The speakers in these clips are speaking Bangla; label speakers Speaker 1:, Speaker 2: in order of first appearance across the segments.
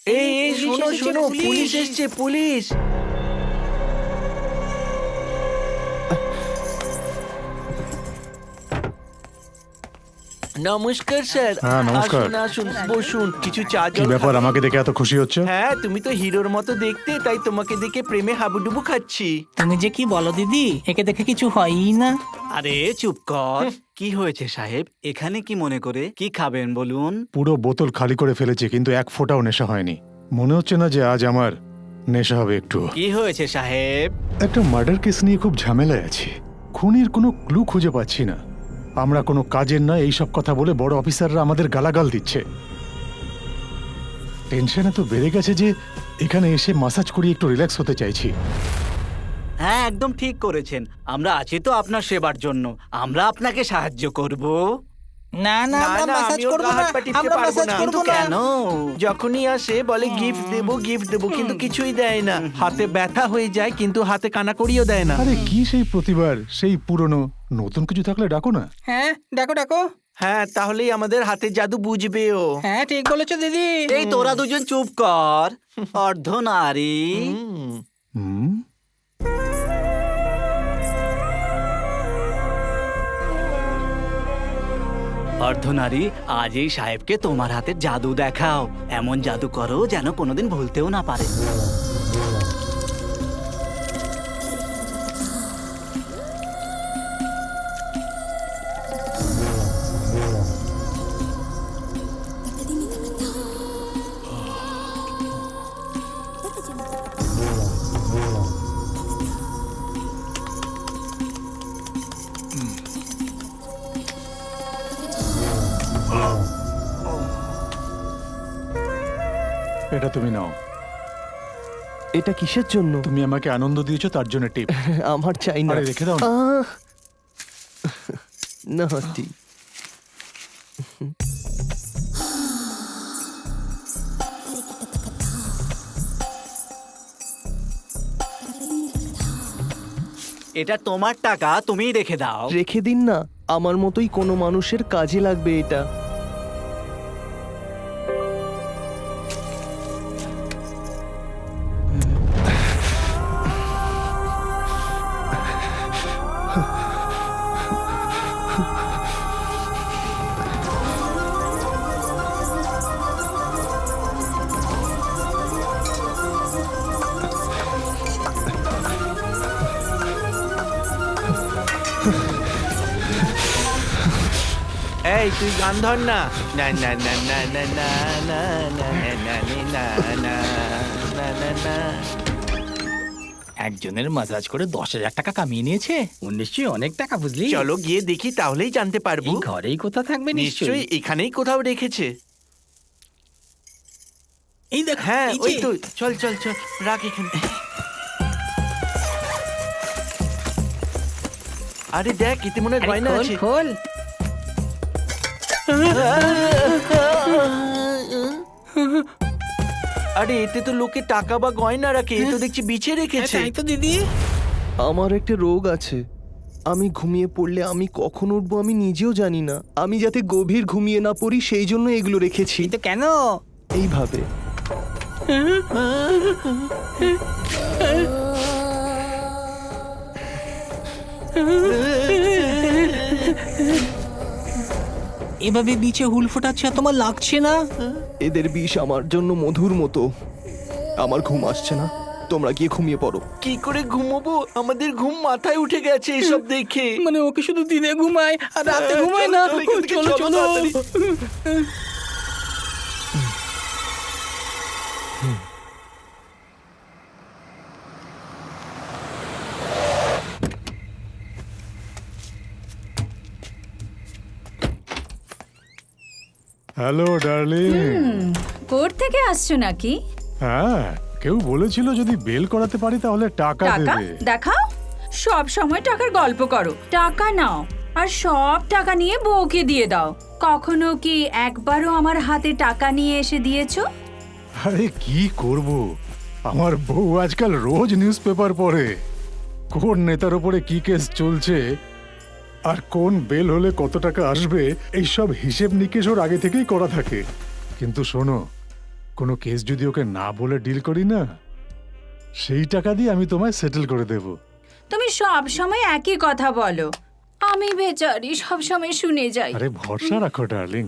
Speaker 1: এই এই শোনো শোনো, পুলিশ এসছে, পুলিশ। নমস্কার স্যার।
Speaker 2: হ্যাঁ, নমস্কার।
Speaker 1: আসুন আসুন, বসুন, কিছু চা
Speaker 2: কি
Speaker 1: জল
Speaker 2: ব্যাপার,
Speaker 1: খাবেন?
Speaker 2: আমাকে দেখে এত খুশি হচ্ছে?
Speaker 1: হ্যাঁ, তুমি তো হিরোর মতো দেখতে, তাই তোমাকে দেখে প্রেমে হাবুডুবু খাচ্ছি।
Speaker 3: তুমি যে কি বলো দিদি, একে দেখে কিছু হয়ই না।
Speaker 4: আরে চুপ কর। কি হয়েছে সাহেব? এখানে কি মনে করে কি খাবেন বলুন?
Speaker 2: পুরো বোতল খালি করে ফেলেছি, কিন্তু এক ফোঁটাও নেশা হয়নি। মনে হচ্ছে না যে আজ আমার নেশা হবে একটু।
Speaker 4: কি হয়েছে সাহেব?
Speaker 2: একটা মার্ডার কেস নিয়ে খুব ঝামেলায় আছি। খুনির কোনো ক্লু খুঁজে পাচ্ছি না। আমরা কোনো কাজের না এইসব কথা বলে বড় অফিসাররা আমাদের গালাগাল দিচ্ছে। টেনশন এত বেড়ে গেছে যে এখানে এসে মাসাজ করিয়ে একটু রিল্যাক্স হতে চাইছি।
Speaker 4: হ্যাঁ, একদম ঠিক করেছেন। আমরা আছি তো আপনার সেবার জন্য। আমরা আপনাকে সাহায্য করব।
Speaker 3: না না,
Speaker 1: না,
Speaker 3: আমরা
Speaker 1: না,
Speaker 3: মাসাজ
Speaker 1: আমি ওর
Speaker 3: করব
Speaker 1: গা
Speaker 3: না,
Speaker 1: হাত পা টিপতে
Speaker 3: আমরা
Speaker 1: পারবো
Speaker 3: মাসাজ
Speaker 1: না।
Speaker 3: করব
Speaker 4: কিন্তু
Speaker 3: না।
Speaker 4: কেন?
Speaker 1: যখনই আসে বলে গিফট দেবো, কিন্তু কিছুই দেয় না। হাতে ব্যথা হয়ে যায়, কিন্তু হাতে কানাকড়িও দেয় না।
Speaker 2: আরে কি সেই প্রতিবার সেই পুরনো, নতুন কিছু থাকলে ডাকো না।
Speaker 3: হ্যাঁ, ডাকো ডাকো।
Speaker 1: হ্যাঁ, তাহলেই আমাদের হাতে জাদু বুঝবে ও।
Speaker 3: হ্যাঁ, ঠিক বলেছো দিদি।
Speaker 4: এই তোরা দুজন চুপ কর। অর্ধনারী।
Speaker 1: হুম।
Speaker 2: হুম,
Speaker 4: অর্ধনারী, আজ এই সাহেবকে তোমার হাতে জাদু দেখাও। এমন জাদু করো যেন কোনোদিন ভুলতেও না পারে।
Speaker 2: এটা তুমি নাও।
Speaker 5: এটা কিসের জন্য?
Speaker 2: তুমি আমাকে আনন্দ দিয়েছো, তার জন্য টিপ।
Speaker 5: আমার চাই না।
Speaker 2: আরে রেখে দাও না।
Speaker 5: নাটি।
Speaker 4: এটা তোমার টাকা, তুমিই রেখে দাও।
Speaker 5: রেখে দিন না, আমার মতোই কোনো মানুষের কাজে লাগবে এটা।
Speaker 1: এই তুই গান ধর না। না না না না না না না না না না না না না না।
Speaker 3: একজনের মাসাজ করে 10,000 টাকা কামিয়ে নিয়েছে। ও নিশ্চয়ই অনেক টাকা, বুঝলি?
Speaker 1: চলো গিয়ে দেখি, তাহলেই জানতে পারবো।
Speaker 3: এই ঘরেই কোথা থাকবে
Speaker 1: নিশ্চয়ই
Speaker 3: নিশ্চয়ই।
Speaker 1: এখানেই কোথাও রেখেছে।
Speaker 3: এই দেখ,
Speaker 1: হ্যাঁ,
Speaker 3: এই
Speaker 1: ওই
Speaker 3: যে।
Speaker 1: তো। চল চল চল, রাখ এখানে। আরে দেখ, এতে মনে হয়
Speaker 3: আরে
Speaker 1: গয়না
Speaker 3: খোল,
Speaker 1: আছে।
Speaker 3: খোল।
Speaker 1: আরে এতে তো লোকে টাকা বা গয়না রাখে, এ তো দেখছি বিছে রেখেছে।
Speaker 3: তাই তো দিদি।
Speaker 5: আমার একটা রোগ আছে। আমি ঘুমিয়ে পড়লে আমি কখন উঠবো আমি নিজেও জানি না। আমি যাতে গভীর ঘুমিয়ে না পড়ি সেই জন্য এগুলো রেখেছি।
Speaker 3: কিন্তু কেন?
Speaker 5: এইভাবে।
Speaker 3: এভাবে বিছে হুল ফোটাচ্ছে আর তোমার লাগছে না?
Speaker 5: এদের বিষ আমার জন্য মধুর মতো। আমার ঘুম আসছে না, তোমরা গিয়ে ঘুমিয়ে পড়ো।
Speaker 1: কি করে ঘুমোবো? আমাদের ঘুম মাথায় উঠে গেছে এসব দেখে।
Speaker 3: মানে ওকে শুধু দিনে ঘুমায় আর রাতে ঘুমায় না?
Speaker 1: চলো, এখান থেকে
Speaker 3: চলো
Speaker 1: চলো
Speaker 3: চলো।
Speaker 1: তাড়াতাড়ি।
Speaker 2: Hello darling.
Speaker 6: কোর্ট থেকে আসছো নাকি?
Speaker 2: হ্যাঁ, কেউ বলেছিল যদি বেল করাতে পারি তাহলে টাকা
Speaker 6: টাকা
Speaker 2: দেবে।
Speaker 6: দেখাও। সব সময় টাকার গল্প করো। টাকা নাও আর সব টাকা নিয়ে বউকে দিয়ে দাও। কখনো কি একবারও আমার হাতে টাকা নিয়ে এসে দিয়েছো?
Speaker 2: আরে কি করব, আমার বউ আজকাল রোজ নিউজ পেপার পড়ে। কোন নেতার উপরে কি কেস চলছে আর কোন বেল হলে কত টাকা আসবে, এইসব হিসেব নিকেশ ওর আগে থেকেই করা থাকে। কিন্তু শোনো, কোনো কেস যদি ওকে না বলে ডিল করি না, সেই টাকা দিয়ে আমি তোমায় সেটেল করে দেব।
Speaker 6: তুমি সব সময় একই কথা বলো, আমি বেচারি সব সময় শুনে যাই।
Speaker 2: আরে ভরসা রাখো ডার্লিং।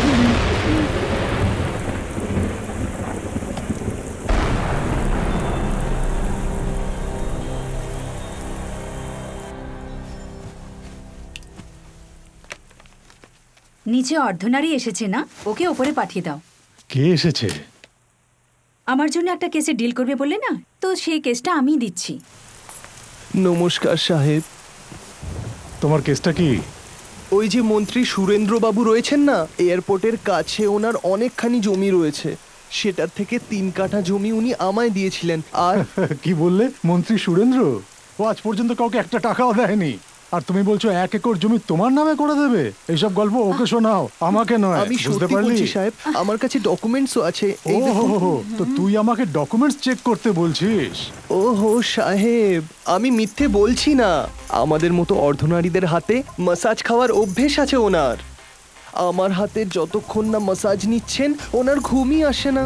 Speaker 6: নিচে অর্ধনারী এসেছে না, ওকে ওপরে পাঠিয়ে দাও।
Speaker 2: কে এসেছে?
Speaker 6: আমার জন্য একটা কেসে ডিল করবে বললে না, তো সেই কেসটা আমি দিচ্ছি।
Speaker 5: নমস্কার সাহেব।
Speaker 2: তোমার কেসটা কি?
Speaker 5: ওই যে মন্ত্রী সুরেন্দ্র বাবু রয়েছেন না, এয়ারপোর্টের কাছে ওনার অনেকখানি জমি রয়েছে, সেটার থেকে 3 কাঠা জমি উনি আমায় দিয়েছিলেন। আর
Speaker 2: কি বললে? মন্ত্রী সুরেন্দ্র? ও আজ পর্যন্ত কাউকে একটা টাকাও দেয়নি, আর তুমি বলছো 1 একর জমি তোমার নামে করে দেবে? এইসব গল্প ওকে শোনাও, আমাকে নয়।
Speaker 5: আমি
Speaker 2: বুঝতে
Speaker 5: সত্যি
Speaker 2: পারলি?
Speaker 5: বলছি সাহেব, আমার কাছে ডকুমেন্টসও আছে। এই
Speaker 2: ও
Speaker 5: দেখুন।
Speaker 2: হো, তো তুই আমাকে ডকুমেন্টস চেক করতে বলছিস?
Speaker 5: ওহো সাহেব, আমি মিথ্যে বলছি না। আমাদের মতো অর্ধনারীদের হাতে মাসাজ খাওয়ার অভ্যেস আছে ওনার। আমার হাতে যতক্ষণ না মাসাজ নিচ্ছেন ওনার ঘুমই আসে না।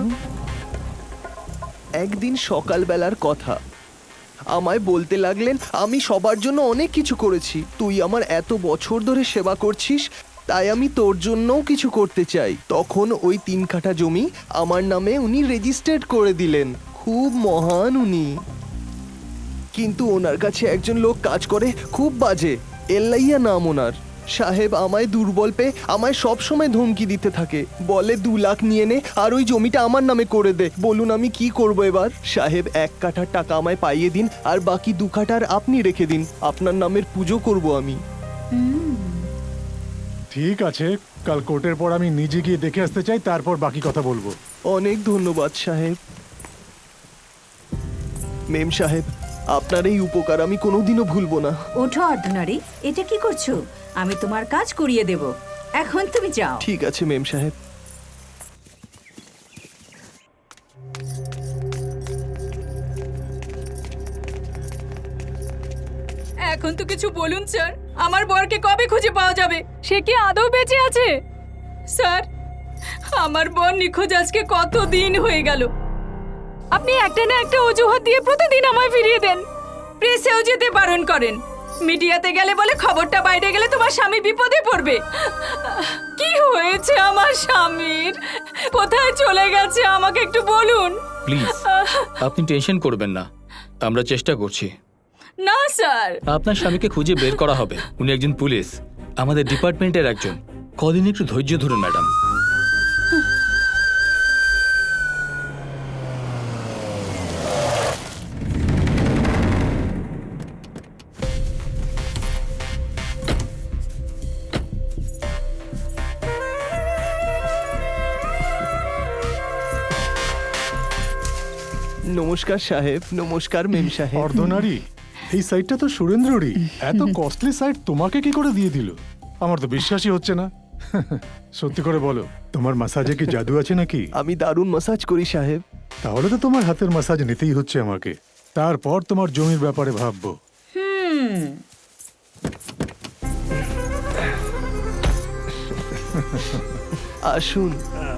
Speaker 5: একদিন সকালবেলার কথা, আমায় বলতে লাগলেন, আমি সবার জন্য অনেক কিছু করেছি, তুই আমার এত বছর ধরে সেবা করছিস, তাই আমি তোর জন্যও কিছু করতে চাই। তখন ওই 3 কাঠা জমি আমার নামে উনি রেজিস্টার্ড করে দিলেন। খুব মহান উনি। কিন্তু ওনার কাছে একজন লোক কাজ করে, খুব বাজে, এল্লাইয়া নাম ওনার। সাহেব আমায় দুর্বল পেয়ে আমায় সব সময় ধমকি দিতে থাকে, বলে 2 লাখ নিয়ে নে আর ওই জমিটা আমার নামে করে দে। বলুন আমি কি করব এবার? সাহেব 1 কাঠার টাকা আমায় পাইয়ে দিন, আর বাকি 2 কাঠার আপনি রেখে দিন, আপনার নামের পুজো করব আমি।
Speaker 2: ঠিক আছে, কাল কোর্টের পর আমি নিজে গিয়ে দেখে আসতে চাই, তারপর বাকি কথা বলবো।
Speaker 5: অনেক ধন্যবাদ সাহেব। মেম সাহেব, আপনার এই উপকার আমি কোনোদিনও ভুলবো না।
Speaker 6: ওঠো অর্ধনারী, এটা কি করছো? আমি তোমার কাজ করিয়ে দেব, এখন তুমি যাও।
Speaker 5: ঠিক আছে মেম সাহেব।
Speaker 6: এখন তো কিছু বলুন স্যার, আমার বরকে কবে খুঁজে পাওয়া যাবে? সে কি আদৌ বেঁচে আছে? স্যার, আমার বর নিখোঁজ আজকে কত দিন হয়ে গেল। আপনি একটা না একটা অজুহাত দিয়ে প্রতিদিন আমায় ফিরিয়ে দেন। প্রেসেও যেতে বারণ করেন, মিডিয়াতে গেলে বলে খবরটা বাইরে গেলে তোমার স্বামী বিপদে পড়বে। কি হয়েছে আমার স্বামীর? কোথায় চলে গেছে আমাকে একটু বলুন।
Speaker 3: প্লিজ আপনি টেনশন করবেন না, আমরা চেষ্টা করছি।
Speaker 6: না স্যার,
Speaker 3: আপনার স্বামীকে খুঁজে বের করা হবে। উনি একজন পুলিশ, আমাদের ডিপার্টমেন্টের একজন। কদিন একটু ধৈর্য ধরুন ম্যাডাম।
Speaker 5: নমস্কার সাহেব। নমস্কার মেম সাহেব।
Speaker 2: অর্ধনারী, এই সাইটটা তো সুরেন্দ্ররই। এত কস্টলি সাইট তোমাকে কি করে দিয়ে দিল? আমার তো বিশ্বাসই হচ্ছে না। সত্যি করে বলো, তোমার মাসাজে কি জাদু আছে নাকি?
Speaker 5: আমি দারুণ মাসাজ করি সাহেব।
Speaker 2: তাহলে তো তোমার হাতের মাসাজ নিতেই হচ্ছে আমাকে, তারপর তোমার জমির ব্যাপারে ভাববো।
Speaker 5: আসুন।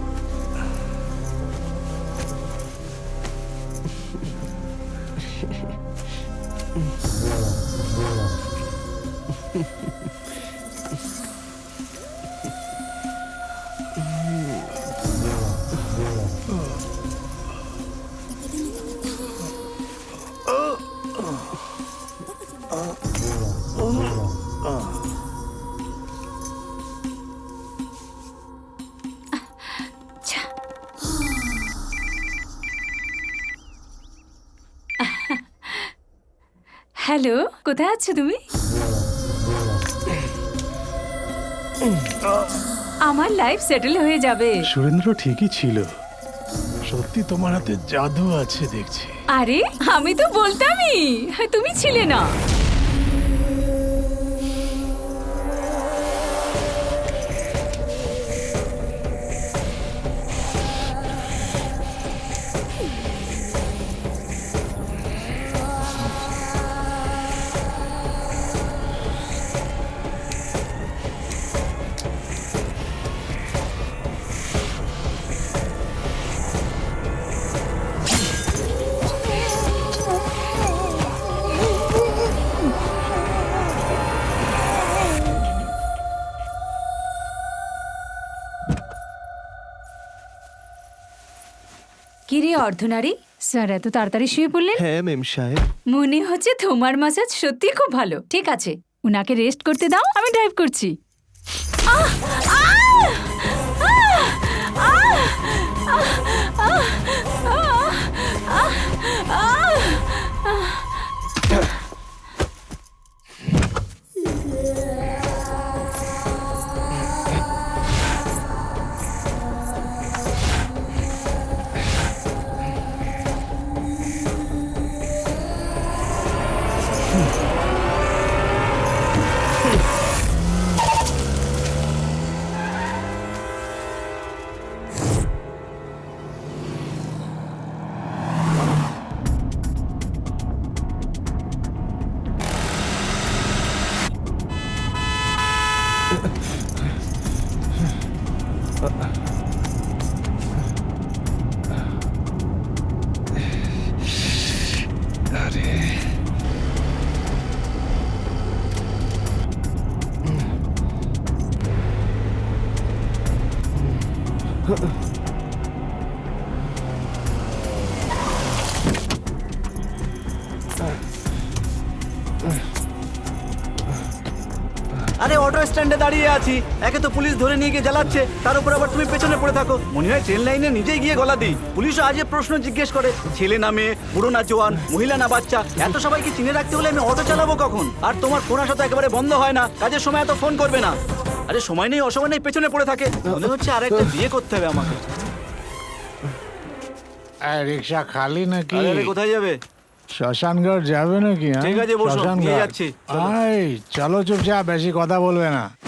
Speaker 6: হ্যালো, কোথায় আছো তুমি? আমার লাইফ সেটেল হয়ে যাবে।
Speaker 2: সুরেন্দ্র ঠিকই ছিল, সত্যি তোমার হাতে জাদু আছে দেখছি।
Speaker 6: আরে আমি তো বলতামই, তুমি ছিলে না। কি রে অর্ধনারী, স্যার এত তাড়াতাড়ি শুয়ে পড়লেন?
Speaker 5: হ্যাঁ মেম সাহেব।
Speaker 6: মনে হচ্ছে তোমার মাসাজ সত্যি খুব ভালো। ঠিক আছে, উনাকে রেস্ট করতে দাও, আমি ড্রাইভ করছি। আহ! আহ! আহ! আহ! আহ! আহ! আহ!
Speaker 4: আরে অটো স্ট্যান্ডে দাঁড়িয়ে আছি, একে তো পুলিশ ধরে নিয়ে গিয়ে জ্বালাচ্ছে, তার উপর আবার তুমি পেছনে পড়ে থাকো। মনে হয় ট্রেন লাইনে নিজেই গিয়ে গলা দিই। পুলিশও আজে প্রশ্ন জিজ্ঞেস করে, ছেলে না মেয়ে, বুড়ো না জোয়ান, মহিলা না বাচ্চা, এত সবাইকে চিনে রাখতে হলে আমি অটো চালাবো কখন? আর তোমার ফোন আসা তো একেবারে বন্ধ হয় না, কাজের সময় এত ফোন করবে না। আরে সময় নেই, অসময় নেই, পেছনে পড়ে থাকে। মনে হচ্ছে আর একটা বিয়ে করতে হবে আমাকে।
Speaker 2: রিক্সা খালি নাকি?
Speaker 4: আরে কোথায় যাবে?
Speaker 2: শ্মশানঘাট যাবে নাকি?
Speaker 4: ঠিক আছে, বসো, নিয়ে
Speaker 2: শ্মশানঘাট।
Speaker 4: যাচ্ছি, চলো।
Speaker 2: আয় চলো, চুপচাপ, বেশি কথা বলবে না।